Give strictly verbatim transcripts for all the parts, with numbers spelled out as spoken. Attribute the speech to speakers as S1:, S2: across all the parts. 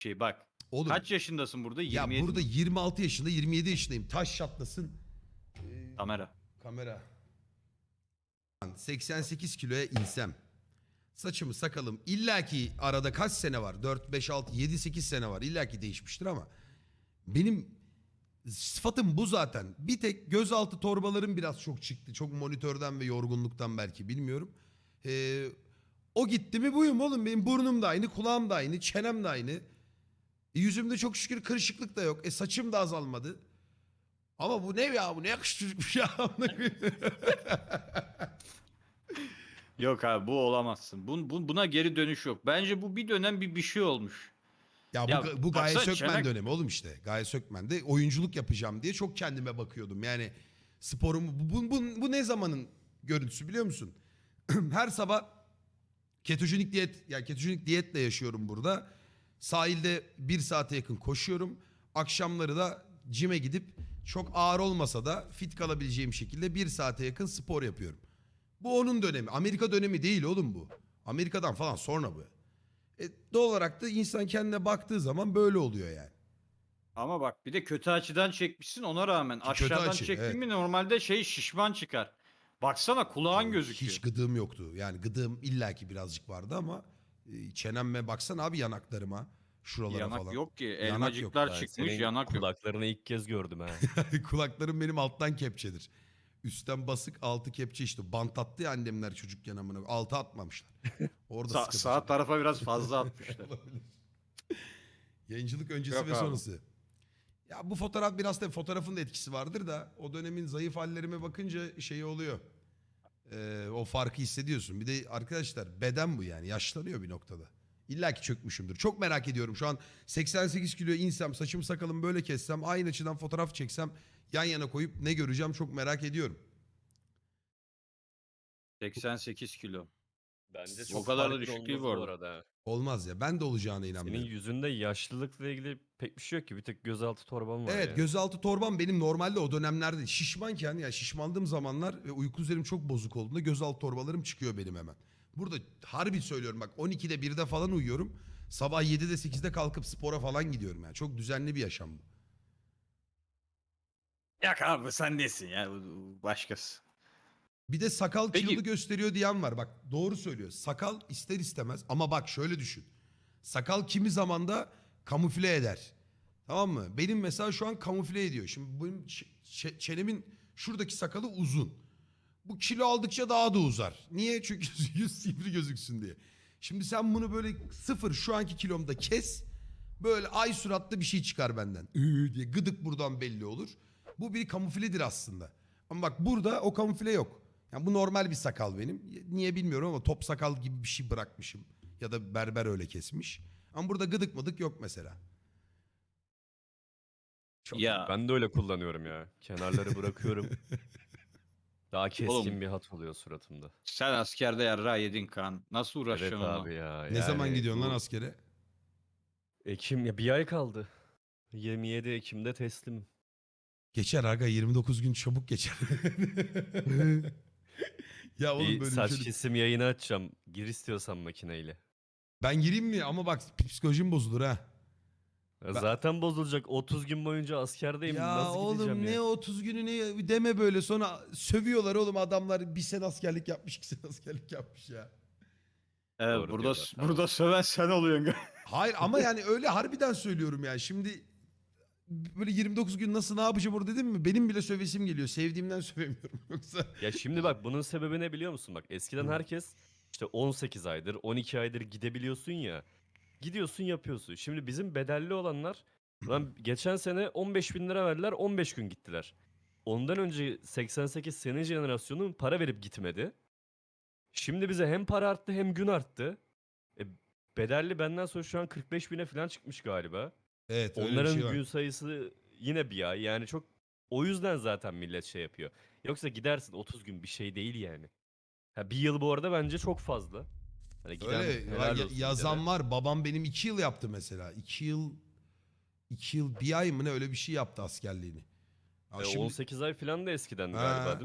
S1: Şey bak.
S2: Oğlum
S1: Kaç yaşındasın burada?
S2: ya
S1: yirmi yedi
S2: burada
S1: mi?
S2: yirmi altı yaşında yirmi yedi yaşındayım. Taş çatlasın. Ee,
S1: Kamera.
S2: kamera. seksen sekiz kiloya insem. Saçımı sakalım illaki arada kaç sene var? dört, beş, altı, yedi, sekiz sene var. İllaki değişmiştir ama benim sıfatım bu zaten. Bir tek gözaltı torbalarım biraz çok çıktı. Çok monitörden ve yorgunluktan belki bilmiyorum. Ee, o gitti mi buyum oğlum. Benim burnum da aynı, kulağım da aynı, çenem de aynı. E, yüzümde çok şükür kırışıklık da yok. E, saçım da azalmadı. Ama bu ne ya? Bu ne yakışıklıkmış ya?
S1: Yok abi bu olamazsın. Bun, bu- buna geri dönüş yok. Bence bu bir dönem bir bir şey olmuş.
S2: Ya bu,
S1: Ya
S2: bu Gaye
S1: baksana
S2: Sökmen
S1: çenek-
S2: dönemi oğlum işte. Gaye Sökmen'de oyunculuk yapacağım diye çok kendime bakıyordum. Yani sporumu bu, bu, bu, bu ne zamanın görüntüsü biliyor musun? Her sabah ketojenik diyet yani ketojenik diyetle yaşıyorum burada. Sahilde bir saate yakın koşuyorum. Akşamları da cime gidip çok ağır olmasa da fit kalabileceğim şekilde bir saate yakın spor yapıyorum. Bu onun dönemi. Amerika dönemi değil oğlum bu. Amerika'dan falan sonra bu. E, doğal olarak da insan kendine baktığı zaman böyle oluyor yani.
S1: Ama bak bir de kötü açıdan çekmişsin ona rağmen.
S2: Ki kötü
S1: Aşağıdan
S2: açı,
S1: çektin
S2: evet.
S1: mi normalde şey şişman çıkar. Baksana kulağın gözüküyor.
S2: Hiç gıdığım yoktu. Yani gıdığım illaki birazcık vardı ama e, çenemme baksana abi yanaklarıma. Şuralara
S1: Yanak
S2: falan.
S1: yok ki.
S2: Yanak yok.
S1: Elmacıklar
S3: Ben
S1: çıkmış
S3: senin
S1: yanak yok.
S3: kulaklarını ilk kez gördüm ha.
S2: Kulaklarım benim alttan kepçedir. Üstten basık altı kepçe işte. Bant attı ya annemler çocukken amına. Altı atmamışlar. Orada
S1: Sa-
S2: sıkıntı.
S1: sağ tarafa biraz fazla atmışlar.
S2: Olabilir. Yayıncılık öncesi
S1: Yok
S2: ve
S1: abi.
S2: sonrası. Ya bu fotoğraf biraz da fotoğrafın da etkisi vardır da o dönemin zayıf hallerime bakınca şey oluyor. Ee, o farkı hissediyorsun. Bir de arkadaşlar beden bu yani yaşlanıyor bir noktada. İlla ki çökmüşümdür. Çok merak ediyorum. Şu an seksen sekiz kiloya insem, saçım sakalımı böyle kessem, aynı açıdan fotoğraf çeksem, yan yana koyup ne göreceğim çok merak ediyorum.
S1: seksen sekiz kilo.
S3: Bence
S1: O
S3: çok
S1: kadar da
S3: farklı
S1: düşük değil
S3: olmaz
S1: bu
S3: bu
S1: arada.
S3: arada.
S2: Olmaz ya. Ben de olacağına
S3: Senin
S2: inanmıyorum.
S3: yüzünde yaşlılıkla ilgili pek bir şey yok ki. Bir tek gözaltı torban var
S2: Evet
S3: ya.
S2: gözaltı torbam benim normalde o dönemlerde şişmanken ya şişmandığım zamanlar ve uyku üzerim çok bozuk olduğunda gözaltı torbalarım çıkıyor benim hemen. Burada harbi söylüyorum bak on ikide birde falan uyuyorum. Sabah yedide sekizde kalkıp spora falan gidiyorum yani. Çok düzenli bir yaşam bu.
S1: Yak abi sen nesin ya bu- bu başkası.
S2: Bir de sakal
S1: Peki-
S2: kilolu gösteriyor diyen var. Bak doğru söylüyor. Sakal ister istemez ama bak şöyle düşün. Sakal kimi zamanda kamufle eder. Tamam mı? Benim mesela şu an kamufle ediyor. Şimdi benim ç- ç- çenemin şuradaki sakalı uzun. Bu kilo aldıkça daha da uzar. Niye? Çünkü yüz sivri gözüksün diye. Şimdi sen bunu böyle sıfır şu anki kilomda kes. Böyle ay suratlı bir şey çıkar benden. Üü diye gıdık buradan belli olur. Bu bir kamufledir aslında. Ama bak burada o kamufle yok. Yani bu normal bir sakal benim. Niye bilmiyorum ama top sakal gibi bir şey bırakmışım. Ya da berber öyle kesmiş. Ama burada gıdık mıdık yok mesela. Çok
S1: Ya
S3: Ben de öyle kullanıyorum ya. Kenarları bırakıyorum. Daha keskin
S1: Oğlum,
S3: bir hat oluyor suratımda.
S1: sen askerde yarra yedin kan. Nasıl
S3: Evet
S1: uğraşacaksın onunla?
S3: abi ya.
S2: Ne zaman
S3: yani
S2: gidiyorsun lan
S3: bu
S2: askere?
S3: Ekim ya bir ay kaldı. yirmi yedi Ekim'de teslim.
S2: Geçer aga yirmi dokuz gün çabuk geçer. Ya oğlum
S3: Bir
S2: böyle
S3: saç
S2: bir şey-
S3: kesim yayını açacağım. Gir istiyorsan makineyle.
S2: Ben gireyim mi? Ama bak psikolojim bozulur ha.
S3: Ya
S2: Ben-
S3: Zaten bozulacak. otuz gün boyunca askerdeyim.
S2: Ya
S3: Nasıl
S2: oğlum
S3: gideceğim
S2: ne
S3: ya?
S2: otuz günü ne deme böyle sonra sövüyorlar oğlum adamlar bir sene askerlik yapmış iki sene askerlik yapmış ya.
S1: Evet,
S3: Doğru
S1: burada
S3: diyorlar, tamam.
S1: burada söven sen oluyorsun.
S2: Hayır ama yani öyle harbiden söylüyorum yani şimdi böyle yirmi dokuz gün nasıl ne yapacağım orada dedim mi benim bile sövesim geliyor sevdiğimden sövemiyorum yoksa.
S3: Ya şimdi bak bunun sebebi ne biliyor musun? Bak eskiden herkes işte on sekiz aydır, on iki aydır gidebiliyorsun ya. Gidiyorsun yapıyorsun. Şimdi bizim bedelli olanlar lan geçen sene on beş bin lira verdiler on beş gün gittiler. Ondan önce seksen sekiz senin jenerasyonun para verip gitmedi. Şimdi bize hem para arttı hem gün arttı. E, bedelli benden sonra şu an kırk beş bine falan çıkmış galiba.
S2: Evet öyle bir
S3: Onların
S2: şey var.
S3: gün sayısı yine bir ay. Yani çok o yüzden zaten millet şey yapıyor. Yoksa gidersin otuz gün bir şey değil yani. Ha, bir yıl bu arada bence çok fazla. Hani giden
S2: Öyle
S3: helal
S2: ya-
S3: olsun
S2: yazan
S3: gidene.
S2: var babam benim iki yıl yaptı mesela iki yıl iki yıl bir ay mı ne öyle bir şey yaptı askerliğini. Ya
S3: E,
S2: şimdi-
S3: on sekiz ay falan da eskiden
S2: Ha.
S3: galiba değil mi?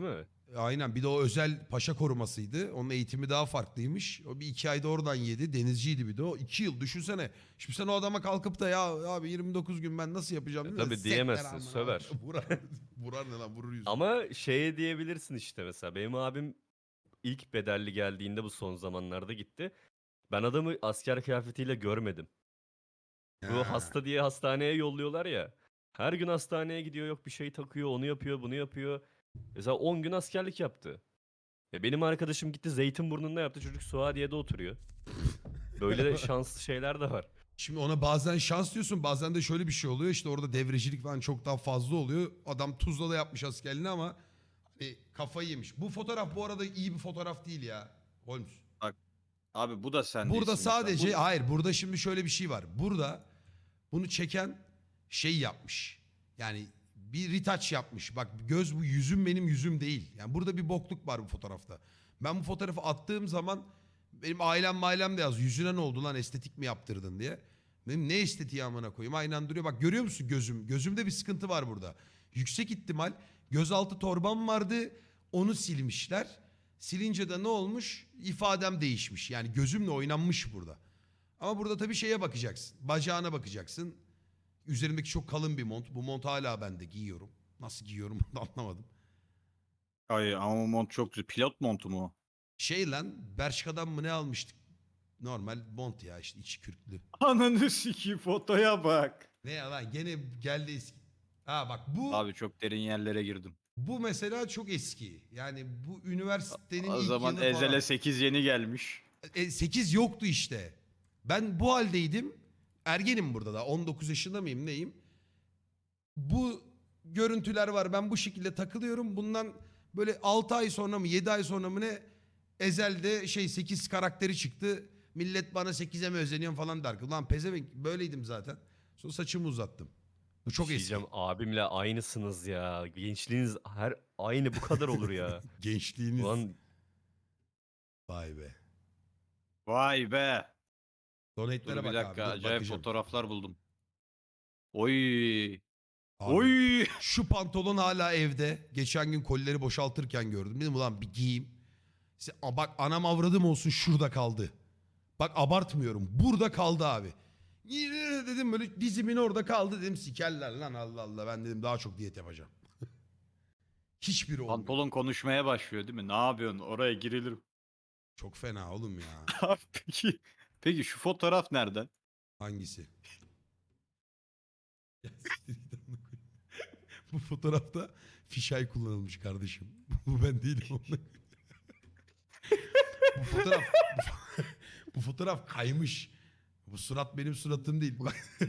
S2: Aynen, bir de o özel paşa korumasıydı. Onun eğitimi daha farklıymış. O bir iki ayda oradan yedi. Denizciydi bir de o. iki yıl düşünsene. Şimdi sen o adama kalkıp da ya abi yirmi dokuz gün ben nasıl yapacağım?
S3: E
S2: değil mi?
S3: tabii
S2: Sekler
S3: diyemezsin,
S2: amına.
S3: söver.
S2: Vurar, vurar ne lan, vurur yüzüne.
S3: Ama şeye diyebilirsin işte mesela. Benim abim ilk bedelli geldiğinde bu son zamanlarda gitti. Ben adamı asker kıyafetiyle görmedim. Bu
S2: Ha.
S3: hasta diye hastaneye yolluyorlar ya. Her gün hastaneye gidiyor, yok bir şey takıyor, onu yapıyor, bunu yapıyor. Mesela on gün askerlik yaptı. Ya benim arkadaşım gitti Zeytinburnu'nda yaptı. Çocuk Suadiye'de oturuyor. Böyle de şanslı şeyler de var.
S2: Şimdi ona bazen şans diyorsun, bazen de şöyle bir şey oluyor. İşte orada devrecilik falan çok daha fazla oluyor. Adam Tuzla'da yapmış askerliğini ama hani kafayı yemiş. Bu fotoğraf bu arada iyi bir fotoğraf değil ya Holmes.
S1: Bak abi bu da sen
S2: Burada
S1: değilsin mesela.
S2: sadece
S1: Bu-
S2: hayır, burada şimdi şöyle bir şey var. Burada bunu çeken şey yapmış. Yani bir retouch yapmış. Bak göz, bu yüzüm benim yüzüm değil. Yani burada bir bokluk var bu fotoğrafta. Ben bu fotoğrafı attığım zaman benim ailem mailem de yaz. Yüzüne ne oldu lan, estetik mi yaptırdın diye. Benim ne estetiği amına koyayım, aynen duruyor. Bak görüyor musun gözüm? Gözümde bir sıkıntı var burada. Yüksek ihtimal gözaltı torbam vardı. Onu silmişler. Silince de ne olmuş? İfadem değişmiş. Yani gözümle oynanmış burada. Ama burada tabii şeye bakacaksın. Bacağına bakacaksın. Üzerimdeki çok kalın bir mont. Bu mont hala bende, giyiyorum. Nasıl giyiyorum onu da anlamadım.
S1: Ay ama o mont çok güzel. Pilot montu mu o?
S2: Şey lan, Bershka'dan mı ne almıştık? Normal mont ya, işte içi kürklü.
S1: Ananı sikeyim, fotoya bak.
S2: Ne ya lan, gene geldi eski. Ha bak bu
S1: Abi çok derin yerlere girdim.
S2: bu mesela çok eski. Yani bu üniversitenin
S1: O
S2: ilk
S1: zaman
S2: yılı
S1: Ezel'e
S2: falan.
S1: sekiz yeni gelmiş.
S2: E, sekiz yoktu işte. Ben bu haldeydim. Ergenim burada da. on dokuz yaşında mıyım neyim? Bu görüntüler var. Ben bu şekilde takılıyorum. Bundan böyle altı ay sonra mı yedi ay sonra mı ne Ezel'de şey sekiz karakteri çıktı. Millet bana sekize mi özeniyorsun falan der. Ulan pezevenk, böyleydim zaten. Sonra saçımı uzattım. Bu çok
S3: Bir şey
S2: eski.
S3: diyeceğim, abimle aynısınız ya. Gençliğiniz her aynı bu kadar olur ya.
S2: Gençliğiniz.
S3: Ulan
S2: Vay be.
S1: Vay be. Dur
S2: Donate'lere
S1: bir
S2: bak
S1: dakika,
S2: abi. Dur,
S1: acayip
S2: bakacağım.
S1: fotoğraflar buldum. Oy.
S2: Abi,
S1: Oy.
S2: şu pantolon hala evde. Geçen gün kolileri boşaltırken gördüm. Dedim ulan bir giyeyim. İşte, a bak anam avradım olsun, şurada kaldı. Bak abartmıyorum. Burada kaldı abi. Yine dedim böyle dizimin orada kaldı. Dedim sikerler lan, Allah Allah. Ben dedim daha çok diyet yapacağım. Hiçbiri olmuyor.
S1: Pantolon konuşmaya başlıyor değil mi? Ne yapıyorsun? Oraya girilir.
S2: Çok fena oğlum ya.
S1: Abi peki. Peki şu fotoğraf nereden?
S2: Hangisi? Ya siktir git amına koyayım. Bu fotoğrafta fişay kullanılmış kardeşim. Bu ben değilim. Onunla. Bu fotoğraf bu fotoğraf kaymış. Bu surat benim suratım değil.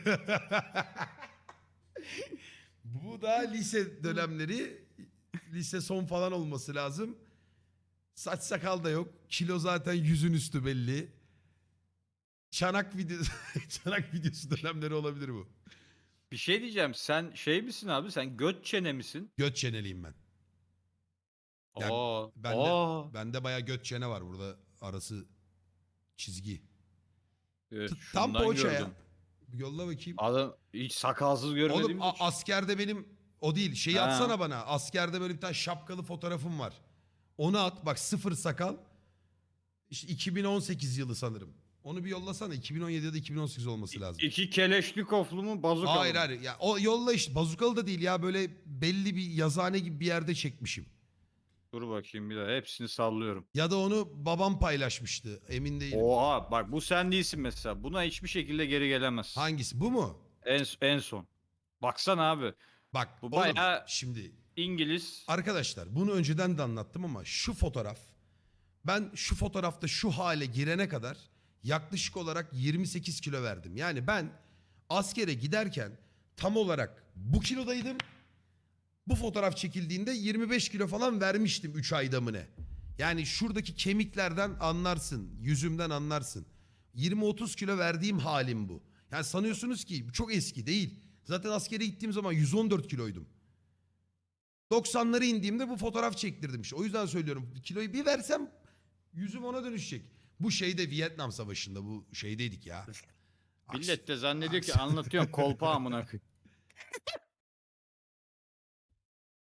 S2: Bu da lise dönemleri, lise son falan olması lazım. Saç sakal da yok. Kilo zaten yüzün üstü belli. Çanak videosu, çanak videosu dönemleri olabilir bu.
S1: Bir şey diyeceğim. Sen şey misin abi? Sen göt çene misin?
S2: Göt çeneliyim ben. Yani
S1: Aa.
S2: bende,
S1: Aa.
S2: bende bayağı göt çene var burada, arası çizgi.
S1: Evet,
S2: T- Tam
S1: şundan
S2: poğaça ya.
S1: gördüm.
S2: Yolla bakayım.
S1: Adam hiç sakalsız görmediğimiz
S2: Oğlum a-
S1: için.
S2: askerde benim o değil. Şeyi
S1: Ha.
S2: atsana bana. Askerde böyle bir tane şapkalı fotoğrafım var. Onu at. Bak sıfır sakal. İşte iki bin on sekiz yılı sanırım. Onu bir yollasana. iki bin on yedi ya da iki bin on sekiz olması lazım.
S1: İki keleşnikoflu mu bazukalı
S2: Hayır
S1: mı?
S2: hayır. Ya, o yolla işte. Bazukalı da değil ya. Böyle belli bir yazıhane gibi bir yerde çekmişim.
S1: Dur bakayım bir daha. Hepsini sallıyorum.
S2: Ya da onu babam paylaşmıştı. Emin değilim.
S1: Oha bak bu sen değilsin mesela. Buna hiçbir şekilde geri gelemezsin.
S2: Hangisi? Bu mu?
S1: En, en son. Baksana abi.
S2: Bak
S1: Bu
S2: oğlum,
S1: bayağı-
S2: şimdi
S1: İngiliz.
S2: arkadaşlar bunu önceden de anlattım ama şu fotoğraf, ben şu fotoğrafta şu hale girene kadar yaklaşık olarak yirmi sekiz kilo verdim. Yani ben askere giderken tam olarak bu kilodaydım. Bu fotoğraf çekildiğinde yirmi beş kilo falan vermiştim üç ayda mı ne? Yani şuradaki kemiklerden anlarsın, yüzümden anlarsın. yirmi otuz kilo verdiğim halim bu. Yani sanıyorsunuz ki çok eski değil. Zaten askere gittiğim zaman yüz on dört kiloydum. doksanlara indiğimde bu fotoğraf çektirdim işte. O yüzden söylüyorum, kiloyu bir versem yüzüm ona dönüşecek. Bu şeyde Vietnam Savaşı'nda bu şeydeydik ya.
S1: Millet de zannediyor ki
S2: Aks-
S1: anlatıyorsun kolpa amına koyayım.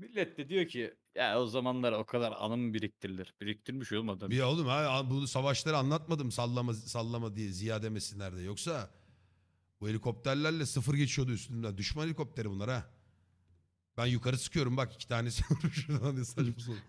S1: Millet de diyor ki ya o zamanlar o kadar anım biriktirilir. Biriktirmiş oğlum adam.
S2: Bir oğlum ha bu savaşları anlatmadım sallama sallama diye ziya demesinler de. Yoksa bu helikopterlerle sıfır geçiyordu üstünden. Düşman helikopteri bunlar ha. Ben yukarı sıkıyorum bak iki tanesi şuradan ne saçma sapan.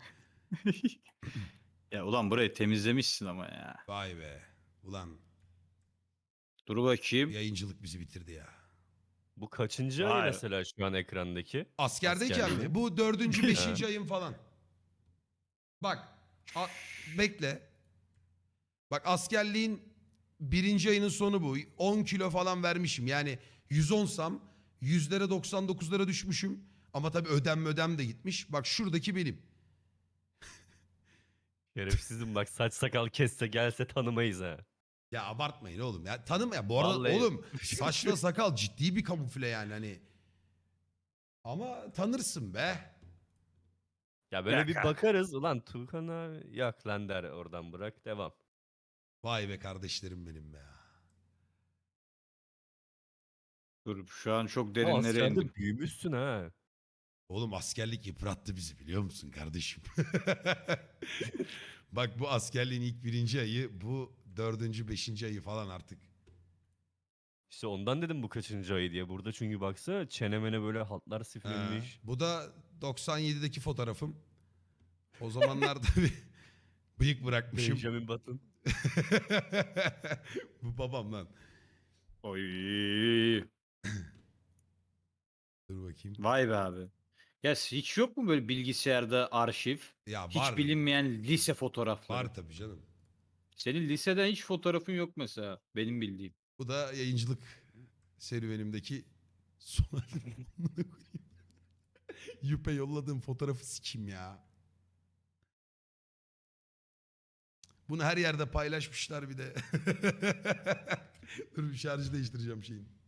S1: Ya ulan burayı temizlemişsin ama ya.
S2: Vay be. Ulan
S1: Dur bakayım.
S2: yayıncılık bizi bitirdi ya.
S3: Bu kaçıncı
S1: Vay.
S3: ay mesela şu an ekrandaki?
S2: Askerdeyken
S3: Askerliğin.
S2: mi? Bu dördüncü, beşinci ayım falan. Bak. a- bekle. Bak askerliğin birinci ayının sonu bu. on kilo falan vermişim. Yani yüz onsam yüzlere doksan dokuzlara düşmüşüm. Ama tabii ödem ödem de gitmiş. Bak şuradaki benim.
S3: Şerefsizim bak, saç sakal kesse gelse tanımayız ha.
S2: Ya abartmayın oğlum ya. Tanım ya. Bu arada
S3: Vallahi.
S2: oğlum saçla sakal ciddi bir kamufle yani hani. Ama tanırsın be.
S3: Ya böyle
S1: Ya
S3: bir
S1: kanka.
S3: bakarız, ulan Tuğkan abi yak lan der, oradan bırak devam.
S2: Vay be kardeşlerim benim be ya.
S1: Dur şu an çok
S3: Ama
S1: derinlere indim.
S3: askerde büyümüşsün ha.
S2: Oğlum askerlik yıprattı bizi biliyor musun kardeşim? Bak bu askerliğin ilk birinci ayı, bu dördüncü, beşinci ayı falan artık.
S3: İşte ondan dedim bu kaçıncı ay diye. Burada çünkü baksa çenemene böyle hatlar
S2: Ha,
S3: siflenmiş.
S2: bu da doksan yedideki fotoğrafım. O zamanlarda bir bıyık bırakmışım.
S3: Benjamin Button.
S2: Bu babam lan.
S1: Oy.
S2: Dur bakayım.
S1: Vay be abi. Ya hiç yok mu böyle bilgisayarda arşiv?
S2: Ya
S1: Hiç
S2: var.
S1: bilinmeyen lise fotoğrafları.
S2: Var tabii canım.
S1: Senin liseden hiç fotoğrafın yok mesela. Benim bildiğim.
S2: Bu da yayıncılık serüvenimdeki son halim. Yüpe yolladığım fotoğrafı sikeyim ya. Bunu her yerde paylaşmışlar bir de. Dur bir şarjı değiştireceğim şeyin.